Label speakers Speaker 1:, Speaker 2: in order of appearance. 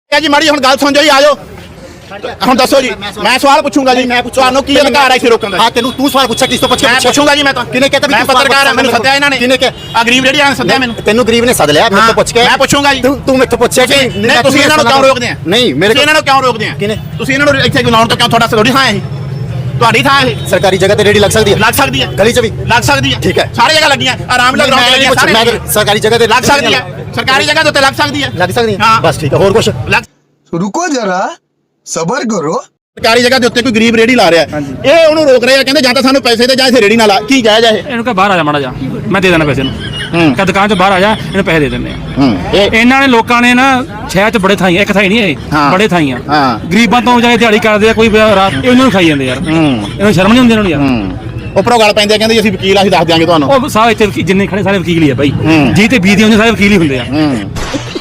Speaker 1: ਜੀ ਮਾੜੀ ਹੁਣ ਗੱਲ ਸੁਣ ਜਾਓ ਜੀ ਆ ਜਾਓ ਹੁਣ ਦੱਸੋ ਜੀ ਮੈਂ ਸਵਾਲ ਪੁੱਛੂੰਗਾ ਜੀ ਤੁਹਾਨੂੰ ਕੀ ਅਧਿਕਾਰ ਹੈ ਇੱਥੇ ਰੋਕਣ ਦਾ
Speaker 2: ਹਾਂ ਤੈਨੂੰ ਤੂੰ ਸਵਾਲ ਪੁੱਛਿਆ ਕਿਸ ਤੋਂ ਪੁੱਛਿਆ
Speaker 1: ਮੈਂ ਪੁੱਛੂੰਗਾ ਜੀ ਮੈਂ ਤਾਂ
Speaker 2: ਕਿਹਨੇ ਕਹਿਤਾ
Speaker 1: ਮੈਂ ਪੱਤਰਕਾਰ ਹਾਂ ਮੈਨੂੰ ਸੱਦਿਆ ਇਹਨਾਂ ਨੇ
Speaker 2: ਕਿਹਨੇ ਕਿ
Speaker 1: ਆ ਗਰੀਬ ਜਿਹੜੀ ਆ ਸੱਦਿਆ ਮੈਨੂੰ
Speaker 2: ਤੈਨੂੰ ਗਰੀਬ ਨੇ ਸੱਦ ਲਿਆ ਮੇਰੇ ਤੋਂ ਪੁੱਛ ਕੇ
Speaker 1: ਮੈਂ ਪੁੱਛੂੰਗਾ ਜੀ
Speaker 2: ਤੂੰ ਮੇਰੇ ਤੋਂ ਪੁੱਛਿਆ ਕਿ
Speaker 1: ਨਹੀਂ ਤੁਸੀਂ ਇਹਨਾਂ ਨੂੰ ਕਿਉਂ ਰੋਕਦੇ ਆ
Speaker 2: ਨਹੀਂ ਮੇਰੇ
Speaker 1: ਇਹਨਾਂ ਨੂੰ ਕਿਉਂ ਰੋਕਦੇ ਆ
Speaker 2: ਕਿਹਨੇ
Speaker 1: ਤੁਸੀਂ ਇਹਨਾਂ ਨੂੰ ਇੱਥੇ ਲਾਉਣ ਤੋਂ ਕਿਉਂ ਤੁਹਾਡਾ ਥੋੜੀ ਥਾਂ ਹੈ ਤੁਹਾਡੀ ਥਾਂ ਇਹ
Speaker 2: ਸਰਕਾਰੀ ਜਗ੍ਹਾ ਤੇ ਰੇੜੀ ਲੱਗ ਸਕਦੀ ਹੈ
Speaker 1: ਲੱਗ ਸਕਦੀ ਹੈ
Speaker 2: ਗਲੀ 'ਚ ਵੀ
Speaker 1: ਲੱਗ ਸਕਦੀ ਹੈ
Speaker 2: ਠੀਕ ਹੈ
Speaker 1: ਸਾਰੀ ਜਗ੍ਹਾ ਲੱਗੀਆਂ ਆਰਾਮ ਨਾਲ ਗਰਾਊਂਡ ਲੱਗੀਆਂ ਸਾਰੇ
Speaker 2: ਸਰਕਾਰੀ ਜਗ੍ਹਾ ਤੇ
Speaker 1: ਲੱਗ ਸਕਦੀ ਹੈ ਸਰਕਾਰੀ ਜਗ੍ਹਾ ਦੇ ਉੱਤੇ ਲੱਗ ਸਕਦੀ ਹੈ
Speaker 2: ਹਾਂ ਬਸ ਠੀਕ ਹੈ ਹੋਰ ਕੁਝ
Speaker 3: रुको जरा सबर करो
Speaker 1: ਸਰਕਾਰੀ ਜਗ੍ਹਾ ਦੇ ਉੱਤੇ ਕੋਈ ਗਰੀਬ ਰੇੜੀ ਲਾ ਰਿਹਾ ਇਹ ਉਹਨੂੰ ਰੋਕ ਰਿਹਾ ਕਹਿੰਦੇ ਜਾਂ ਤਾਂ ਸਾਨੂੰ ਪੈਸੇ ਦੇ ਜਾਂ ਇਸੇ ਰੇੜੀ ਨਾਲ ਲਾ ਕੀ ਜਾਇਜ਼ ਹੈ
Speaker 4: ਇਹਨੂੰ ਕਹ ਬਾਹਰ ਆ ਜਾ ਮਾੜਾ ਜਾ ਮੈਂ ਦੇ ਦੇਣਾ ਪੈਸੇ ਨੂੰ ਕਹ ਦੁਕਾਨ ਤੋਂ ਬਾਹਰ ਆ ਜਾ ਇਹਨੂੰ ਪੈਸੇ ਦੇ ਦਿੰਦੇ ਆ ਇਹਨਾਂ ਨੇ ਲੋਕਾਂ ਨੇ ਨਾ ਸ਼ਹਿਰ 'ਚ ਬੜੇ ਥਾਈਂ ਇੱਕ ਥਾਈ ਨਹੀਂ ਇਹ ਬੜੇ ਥਾਈਂ ਆ ਗਰੀਬਾਂ ਤੋਂ ਜਾਏ ਦਿਹਾੜੀ ਕਰਦੇ ਆ ਕੋਈ ਰਾਤ ਇਹਨਾਂ ਨੂੰ ਖਾਈ ਜਾਂਦੇ ਯਾਰ ਇਹਨੂੰ ਸ਼ਰਮ ਨਹੀਂ ਆਉਂਦੀ ਇਹਨਾਂ ਨੂੰ ਯਾਰ
Speaker 1: ਉੱਪਰੋਂ ਗੱਲ ਪੈਂਦੇ ਕਹਿੰਦੇ ਅਸੀਂ ਵਕੀਲ ਅਸੀਂ ਦੱਸ ਦਿਆਂਗੇ ਤੁਹਾਨੂੰ
Speaker 4: ਉਹ ਸਾਰੇ ਇੱਥੇ ਜਿੰਨੇ ਖੜੇ ਸਾਰੇ ਵਕੀਲ ਹੀ ਆ ਬਾਈ ਜੀ ਤੇ ਬੀ ਦੇ ਹੁੰਦੇ ਸਾਰੇ ਵਕੀਲ ਹੀ ਹੁੰਦੇ ਆ